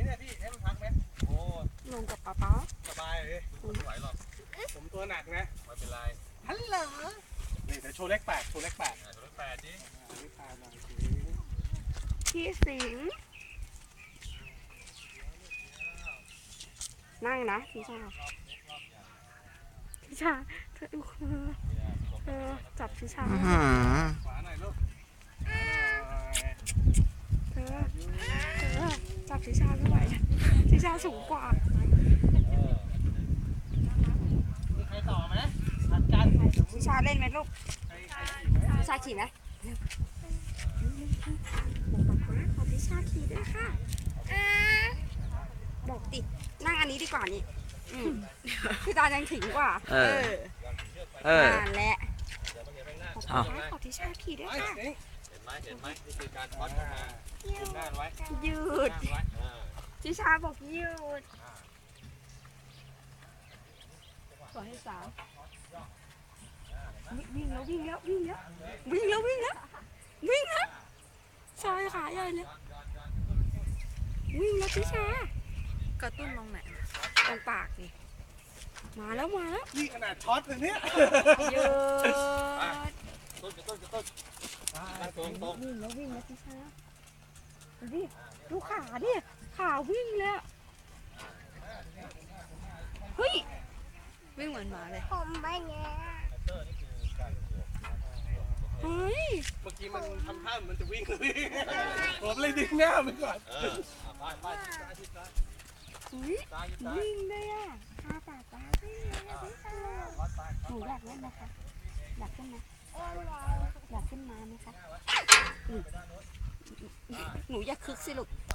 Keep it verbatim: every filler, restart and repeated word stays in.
เนี่ยพี่ให้มันพักไหมโอ้ลงกับป๊าป๊าสบายเลยผมไม่ไหวหรอกผมตัวหนักนะไม่เป็นไรฮัลโหลนี่เดี๋ยวโชว์เลขแปดโชว์เลขแปดโชว์เลขแปดดินี่พาหน่อยสิพี่สิงห์นั่งนะพี่ชาพี่ชาเธอดูเธอจับพี่ชาขวาหน่อยลูกเธอเธอจับพี่ชาไม่ไหวพี่ชาสูงกว่ามีใครต่อไหมผัดกันพี่ชาเล่นไหมลูกพี่ชาขี่ไหมบอกป๊าขอพี่ชาขี่ด้วยค่ะบอกตินั่งอันนี้ดีกว่านี่พี่ตายังถึงกว่าเออเออนั่นแหละขอป๊าขอพี่ชาขี่ด้วยค่ะเห็นไหมเห็นไหมนี่คือการช็อตนะยืดหน้าไว้ยืดพี่ชาบอกยืดขอให้สามวิ่งแล้ววิ่งแล้ววิ่งแล้ววิ่งแล้ววิ่งแล้ววิ่งแล้วชายขาใหญ่เลยวิ่งแล้วพี่ชากระตุ้นตรงไหนตรงปากนี่มาแล้วมาแล้วนี่ขนาดช็อตเลยเนี่ยยืดต้นต้นต้นตรงตรงวิ่งแล้ววิ่งแล้วพี่ชาดูดิดูขาดิขาวิ่งแล้วเฮ้ยวิ่งเหมือนหมาเลยผมไปเนี่ยเฮ้ยเมื่อกี้มันทำท่ามันจะวิ่งเลยผมเลยดึงหน้าไปก่อนวิ่งเลยอ่ะตาตาตาวิ่งเลยพี่ชาหนูอยากเล่นนะคะอยากขึ้นไหมอยากขึ้นมาไหมคะหนูอยากคึกสิลูก